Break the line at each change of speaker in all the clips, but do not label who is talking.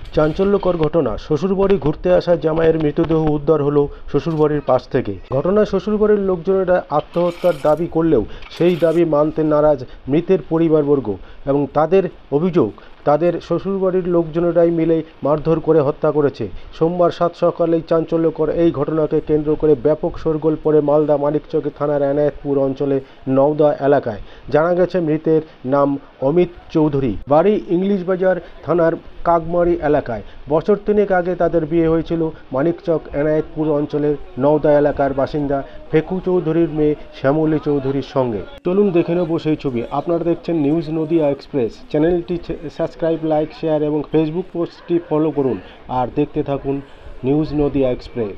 চাঞ্চল্যকর ঘটনা, শ্বশুরবাড়ি ঘুরতে আসা জামাইয়ের মৃতদেহ উদ্ধার হলো শ্বশুরবাড়ির পাশ থেকে। ঘটনায় শ্বশুরবাড়ির লোকজনেরা আত্মহত্যার দাবি করলেও সেই দাবি মানতে নারাজ মৃতের পরিবারবর্গ এবং তাদের অভিযোগ তাদের শ্বশুরবাড়ির লোকজনেরাই মিলে মারধর করে হত্যা করেছে। সোমবার সাত সকালেই চাঞ্চল্যকর এই ঘটনাকে কেন্দ্র করে ব্যাপক শোরগোল পড়ে মালদা মানিকচক থানার এনায়েতপুর অঞ্চলে নওদা এলাকায়। জানা গেছে মৃতের নাম অমিত চৌধুরী, বাড়ি ইংলিশ বাজার থানার কাগমারি এলাকায়। বছর তিনেক আগে তাদের বিয়ে হয়েছিল মানিকচক এনায়েতপুর অঞ্চলের নওদা এলাকার বাসিন্দা ফেকু চৌধুরীর মেয়ে শ্যামলী চৌধুরীর সঙ্গে। চলুন দেখে নেব সেই ছবি। আপনারা দেখছেন নিউজ নদিয়া এক্সপ্রেস। চ্যানেলটি সাবস্ক্রাইব, লাইক, শেয়ার এবং ফেসবুক পোস্টটি ফলো করুন আর দেখতে থাকুন নিউজ নদিয়া এক্সপ্রেস।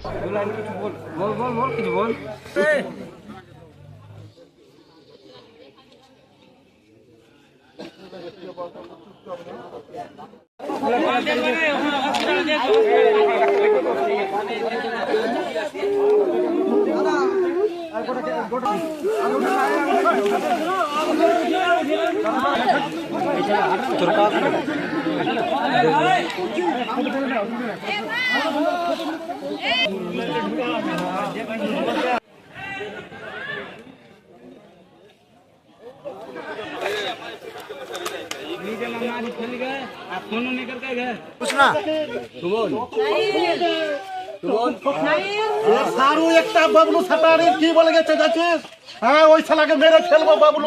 সারু একটা বাবলু সাটারি কি বলে গেছে যাচ্ছিস? হ্যাঁ, ওই শালাকে মেরে ফেলবো বাবলু।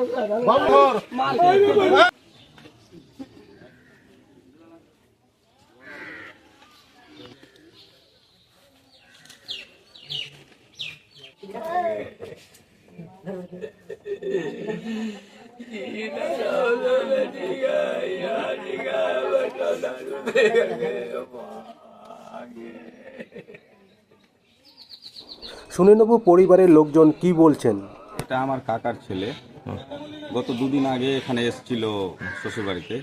শুনে নেব পরিবারের লোকজন কি বলছেন।
এটা আমার কাকার ছেলে। গত দুদিন আগে এখানে এসেছিল শ্বশুরবাড়িতে।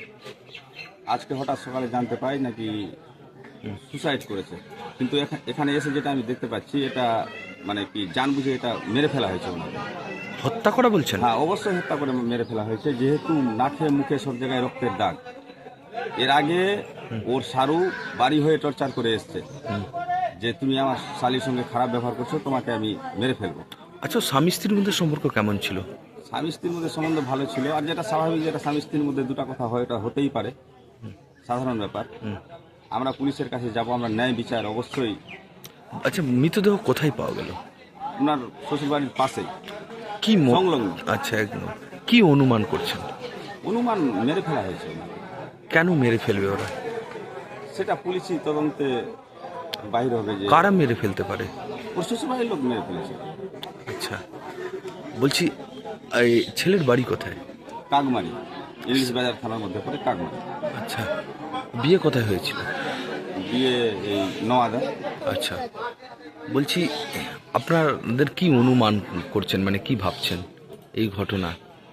আজকে হঠাৎ সকালে জানতে পাই নাকি সুসাইড করেছে। কিন্তু এখানে এসে যেটা আমি দেখতে পাচ্ছি, এটা মানে কি জানবুঝে এটা মেরে ফেলা হয়েছে।
হত্যা করা বলছেন?
হ্যাঁ, অবশ্যই হত্যা করে মেরে ফেলা হয়েছে, যেহেতু নাকে মুখে সব জায়গায় রক্তের দাগ। এর আগে ওর সারু বাড়ি হয়ে টর্চার করে এসছে যে তুমি আমার শালির সঙ্গে খারাপ ব্যবহার করছো, তোমাকে আমি মেরে ফেলবো।
আচ্ছা, স্বামী স্ত্রীর মধ্যে সম্পর্ক কেমন ছিল?
স্বামী স্ত্রীর মধ্যে সম্বন্ধ ভালো ছিল, আর যেটা স্বাভাবিক, যেটা স্বামী স্ত্রীর মধ্যে দুটা কথা হয়, এটা হতেই পারে, সাধারণ ব্যাপার। আমরা পুলিশের কাছে যাব, আমরা ন্যায় বিচার অবশ্যই।
আচ্ছা, মৃতদেহ কোথায় পাওয়া গেল?
ওনার শ্বশুরবাড়ির পাশেই,
কি
সংলগ্ন।
আচ্ছা, একদম। কি অনুমান করছেন?
অনুমান মেরে ফেলা হয়েছে।
কেন মেরে ফেলবে ওরা?
সেটা পুলিশি তদন্তে বাইরে হবে। যে
কারা মেরে ফেলতে পারে?
ওর শ্বশুরবাড়ির লোক মেরে ফেলেছে।
আচ্ছা, বলছি এই ছেলের বাড়ি কোথায়?
কাগমারি, ইংলিশ বাজার থানার মধ্যে পড়ে কাগমারি।
আচ্ছা, বিয়ে কোথায় হয়েছিল?
বিয়ে এই নওদা।
আচ্ছা, বলছি আপনাদের কি অনুমান করছেন, মানে কি ভাবছেন এই ঘটনা?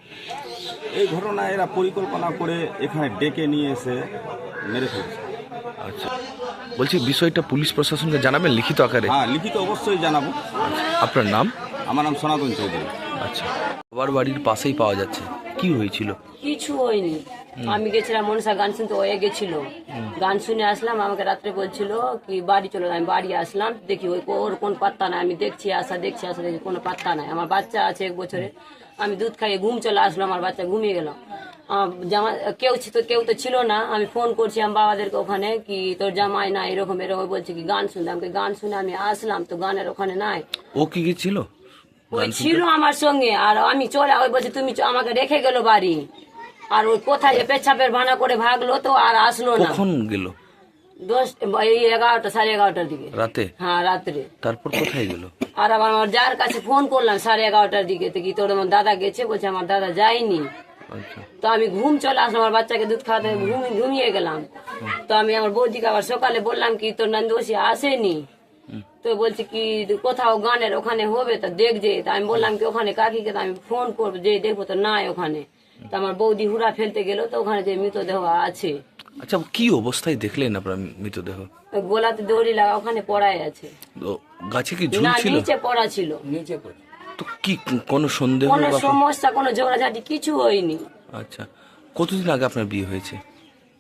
এই ঘটনা এরা পরিকল্পনা করে এখানে ডেকে নিয়ে এসে মেরে ফেলেছে।
আচ্ছা, বলছি বিষয়টা পুলিশ প্রশাসনকে জানাবেন লিখিত আকারে?
হ্যাঁ, লিখিত অবশ্যই জানাবো।
আপনার নাম?
আমার নাম সনাতন চৌধুরী।
আচ্ছা, বাবার বাড়ির পাশেই পাওয়া যাচ্ছে, কি হয়েছিল?
কিছু হয়নি। আমি গেছিলাম মনসা গান শুনতে, ওয়ে গেছিল, গান শুনে আসলাম। আমাকে রাত্রে বলছিল কি বাড়ি চলো, আমি বাড়ি আসলাম, দেখি ওর কোন পাত্তা নাই। আমি দেখছি আসা দেখি কোনো পাত্তা নাই। আমার বাচ্চা আছে 1 বছরে। আমি দুধ খাইয়ে ঘুম চলে আসলো, আমার বাচ্চা ঘুমিয়ে গেল। জামা কেউ তো ছিল না। আমি ফোন করছি আমার বাবাদেরকে ওখানে, কি তোর জামাই না এরকম এরকম বলছে কি গান শুনতে। আমাকে গান শুনে আমি আসলাম, তো গানের ওখানে নাই।
ও কি ছিল?
ওই ছিল আমার সঙ্গে, আর আমি চলে ওই বলছে তুমি আমাকে রেখে গেল বাড়ি। আর ওই কোথায় পেছাপের ভানা করে ভাগলো, তো আর আসলো না।
কখন গেল?
11টা 11:30টার দিকে
রাতে?
হ্যাঁ, রাত্রে।
তারপর কোথায় গেল?
আর আবার আমার যার কাছে ফোন করলাম 11:30টার দিকে, কি তোর আমার দাদা গেছে, বলছে আমার দাদা যায়নি।
আচ্ছা,
তো আমি ঘুম চলে আসলাম, আমার বাচ্চাকে দুধ খাওয়াতে ঘুমিয়ে গেলাম। তো আমি আমার বৌদিকে আবার সকালে বললাম কি তোর নন্দোষী আসেনি। তো বলছে কি কোথাও গানের ওখানে হবে, তো দেখছে। তা আমি বললাম কি ওখানে কাকিকে তো আমি ফোন করবো, যে দেখবো তো নাই ওখানে। তো আমার বৌদি হুড়া ফেলতে গেল, তো ওখানে যে মৃতদেহ আছে।
আচ্ছা, কি অবস্থায় দেখলেন আপনার মৃতদেহ?
গোলাতে দড়ি লাগা ওখানে পড়াই আছে।
গাছে কি
না,
ঝুলছিল?
নিচে পড়া ছিল।
তো কি কোনো সন্দেহ
কোনো সমস্যা, কোনো ঝগড়াঝাটি কিছু হয়নি।
আচ্ছা, কতদিন আগে আপনার বিয়ে হয়েছে?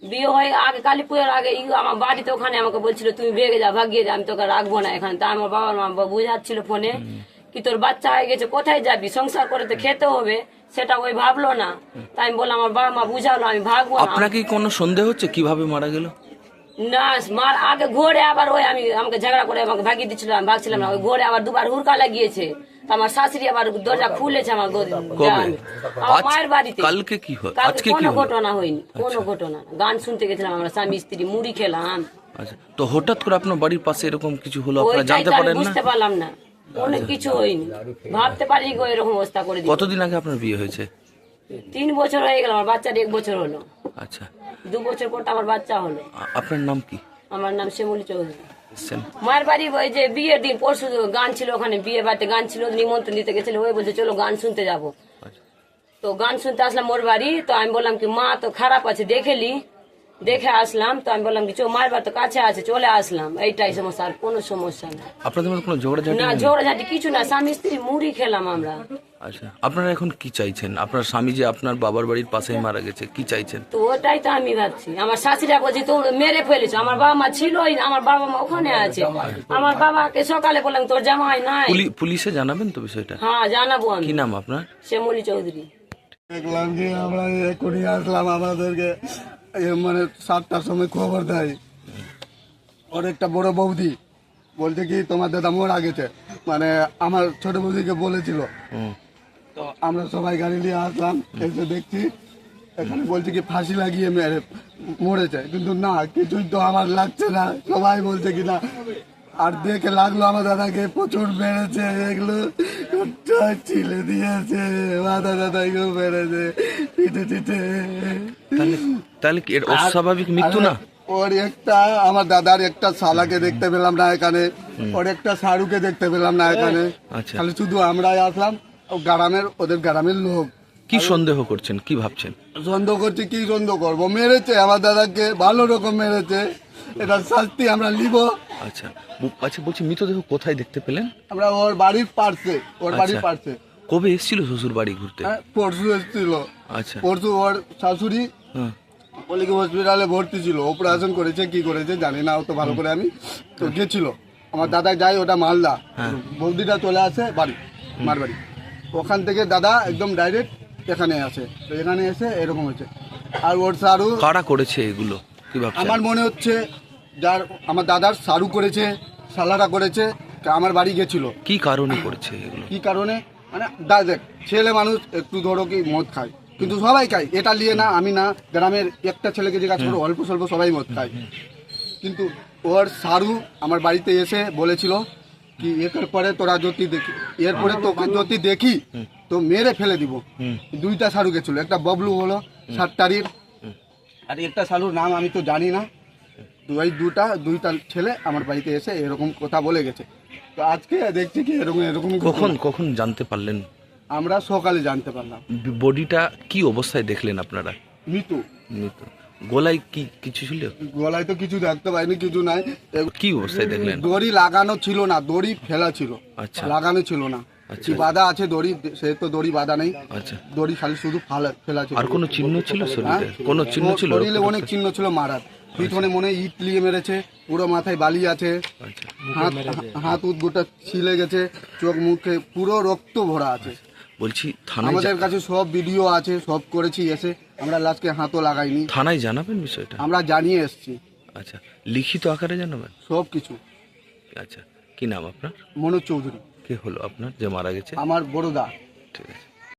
বিয়ে হয়ে আগে কালী পুজোর আগে আমার বাড়িতে ওখানে আমাকে বলছিল তুমি ভেগে যা, ভাগিয়ে যা, আমি তোকে রাখবো না এখানে। তা আমার বাবার মা বুঝাচ্ছিল ফোনে কি তোর বাচ্চা হয়ে গেছে, কোথায় যাবি, সংসার করে তো খেতে হবে, সেটা ওই ভাবলো না। তাই আমি বললাম আমার বাবা মা বুঝালো আমি ভাগবো না।
আপনাকে কোনো সন্দেহ হচ্ছে কিভাবে মারা গেল?
না মার আগে ঘোরে আবার ওই আমাকে ঝগড়া করে আমাকে ভাগিয়ে দিচ্ছিল, আমি ভাগছিলাম না, ওই ঘোরে আবার দুবার হুড়কা লাগিয়েছে। তো আমার শাশুড়ি আবার দরজা খুলেছে আমার
কবে?
আমার মায়ের বাড়িতে।
কালকে কি হয়?
কালকে
আজকে কি
কোনো
হলো?
ঘটনা হয়নি, কোনো ঘটনা না। গান শুনতে গেছিলাম আমরা স্বামী স্ত্রী, মুড়ি খেলাম।
আচ্ছা, তো হঠাৎ করে আপনার বাড়ির পাশে এরকম কিছু হলো, আপনারা
ওইটাই
জানতে
তো আমি
পারেন না?
বুঝতে পারলাম না, অনেক কিছু হয়নি, ভাবতে পারি গো এরকম অবস্থা করে দিই।
কতদিন আগে আপনার বিয়ে হয়েছে?
3 বছর হয়ে গেল, আমার বাচ্চার 1 বছর হলো।
আচ্ছা,
2 বছর পর তো আমার বাচ্চা হলো।
আপনার নাম কি?
আমার নাম শ্যামলী চৌধুরী।
এসছেন?
মায়ের বাড়ি ওই যে বিয়ের দিন পরশু গান ছিল, ওখানে বিয়ে বাড়িতে গান ছিল, নিমন্ত্রণ দিতে গেছিল, ওই বলছে চলো গান শুনতে যাবো।
আচ্ছা।
তো গান শুনতে আসলাম ওর বাড়ি। তো আমি বললাম কি মা তো খারাপ আছে, দেখে আসলাম। তো আমি বললাম কি মায়ের বাড়ি তো কাছে আছে, চলে আসলাম। এইটাই সমস্যা, আর কোনো সমস্যা না।
আপনাদের মধ্যে কোনো ঝগড়াঝাটি
না
নেই?
ঝগড়াঝাটি কিছু না, স্বামী স্ত্রী মুড়ি খেলাম আমরা।
আচ্ছা, আপনারা এখন কি চাইছেন? আপনার স্বামী যে আপনার বাবার বাড়ির পাশেই মারা গেছে, কি চাইছেন?
তো ওটাই তো আমি ভাবছি। আমার শাশুড়া বলছি তো মেরে ফেলেছো, আমার বাবা মা ছিলই না, আমার বাবা মা ওখানে আছে। আমার বাবাকে সকালে বললাম তোর জামাই নাই।
পুলিশে জানাবেন তো বিষয়টা?
হ্যাঁ জানাবো আমি।
কি নাম আপনার?
শ্যামলী চৌধুরী।
দেখলাম কি আমরা এক্ষুনি আসলাম, আমাদেরকে মানে 7টার সময় খবর দেয় ওর একটা বড় বৌদি, বলছে কি তোমার দাদা মারা গেছে, মানে আমার ছোট বৌদিকে বলেছিল। তো আমরা সবাই গাড়ি নিয়ে আসলাম, এসে দেখছি এখানে বলছে কি ফাঁসি লাগিয়ে মরেছে, কিন্তু না কিছুই তো আমার লাগছে না, সবাই বলছে কি না। আর দেখে লাগলো আমার দাদাকে প্রচুর বেড়েছে, এগুলো ছিলে দিয়েছে, মাথা দাদাকেও বেড়েছে, পিঠে।
তাহলে কি এর অস্বাভাবিক মৃত্যু না?
ওর একটা আমার দাদার একটা শালাকে দেখতে পেলাম না এখানে, ওর একটা সারুকে দেখতে পেলাম না এখানে।
আচ্ছা,
খালি শুধু আমরাই আসলাম, ওদের গ্রামের লোক।
কি সন্দেহ করছেন, কি ভাবছেন?
সন্দেহ করছি, কি সন্দেহ করবো, মেরেছে আমার দাদাকে, ভালো রকম মেরেছে, এটার শাস্তি আমরা নিব।
আচ্ছা, আচ্ছা, বলছি মৃতদেহ কোথায় দেখতে পেলেন?
আমরা ওর বাড়ির পার্শ্বে, ওর বাড়ির
আচ্ছা।
পার্শ্বে।
কবে এসেছিল শ্বশুর বাড়ি ঘুরতে?
হ্যাঁ, পরশু এসেছিল।
আচ্ছা,
পরশু ওর শাশুড়ি
হ্যাঁ,
পলিকি হসপিটালে ভর্তি ছিল, অপারেশন করেছে, কি করেছে জানি না অত ভালো করে আমি। তো গেছিল আমার দাদা, যাই ওটা মালদা, বৌদিটা চলে আসে বাড়ি, মার বাড়ি, ওখান থেকে দাদা একদম ডাইরেক্ট এখানে আসে। তো এখানে এসে এরকম হয়েছে। আর ওর সারু
কারা করেছে এগুলো, কি ভাবছেন?
আমার মনে হচ্ছে যার আমার দাদার সারু করেছে, সালারা করেছে, আমার বাড়ি গেছিল।
কি কারণে করেছে এগুলো?
কি কারণে মানে দেখ, ছেলে মানুষ একটু ধরো কি মদ খায়, কিন্তু সবাই খায়, এটা নিয়ে না আমি না, গ্রামের একটা ছেলেকে জিজ্ঞাসা করো অল্প স্বল্প সবাই মদ খায়। কিন্তু ওর সারু আমার বাড়িতে এসে বলেছিল কি এর পরে তোরা যদি দেখি, এরপরে তোকে যদি দেখি তো মেরে ফেলে দিব। 2টা সারু গেছিল, একটা ববলু হলো 7 তারিখ, আর একটা সারুর নাম আমি তো জানি না। দুইটা ছেলে আমার বাড়িতে এসে এরকম কথা বলে গেছে। তো আজকে দেখছি কি এরকম
কখন জানতে পারলেন?
আমরা সকালে জানতে পারলাম।
বডিটা কি অবস্থায় দেখলেন আপনারা?
মৃত।
গলায় কি কিছু ছিল?
গলায় তো কিছু দেখতে পাইনি, কিছু নাই।
কি অবস্থায় দেখলেন?
দড়ি লাগানো ছিল না, দড়ি ফেলা ছিল।
আচ্ছা,
লাগানো ছিল না।
আচ্ছা,
কি বাঁধা আছে দড়ি, সে তো দড়ি বাঁধা নেই।
আচ্ছা,
দড়ি খালি শুধু ফেলা ছিল।
আর কোনো চিহ্ন ছিল শরীরে? কোনো চিহ্ন ছিল?
শরীরে অনেক চিহ্ন ছিল মারার, পিছনে মনে হয় ইট লিয়ে মেরেছে, পুরো মাথায় বালি আছে,
আচ্ছা,
হাত গোটা ছিলে গেছে, চোখ মুখে পুরো রক্ত ভরা আছে।
বলছি থানায়
আমাদের কাছে সব ভিডিও আছে, সব করেছি এসে, আমরা লাস্টকে হাতও লাগাইনি।
থানায় জানাবেন বিষয়টা?
আমরা জানিয়ে এসেছি
আচ্ছা, লিখিত আকারে জানাবেন?
সব কিছু।
আচ্ছা, কি নাম আপনার?
মনোজ চৌধুরী।
কে হলো আপনার যে মারা গেছে?
আমার বড় দা।
ঠিক আছে।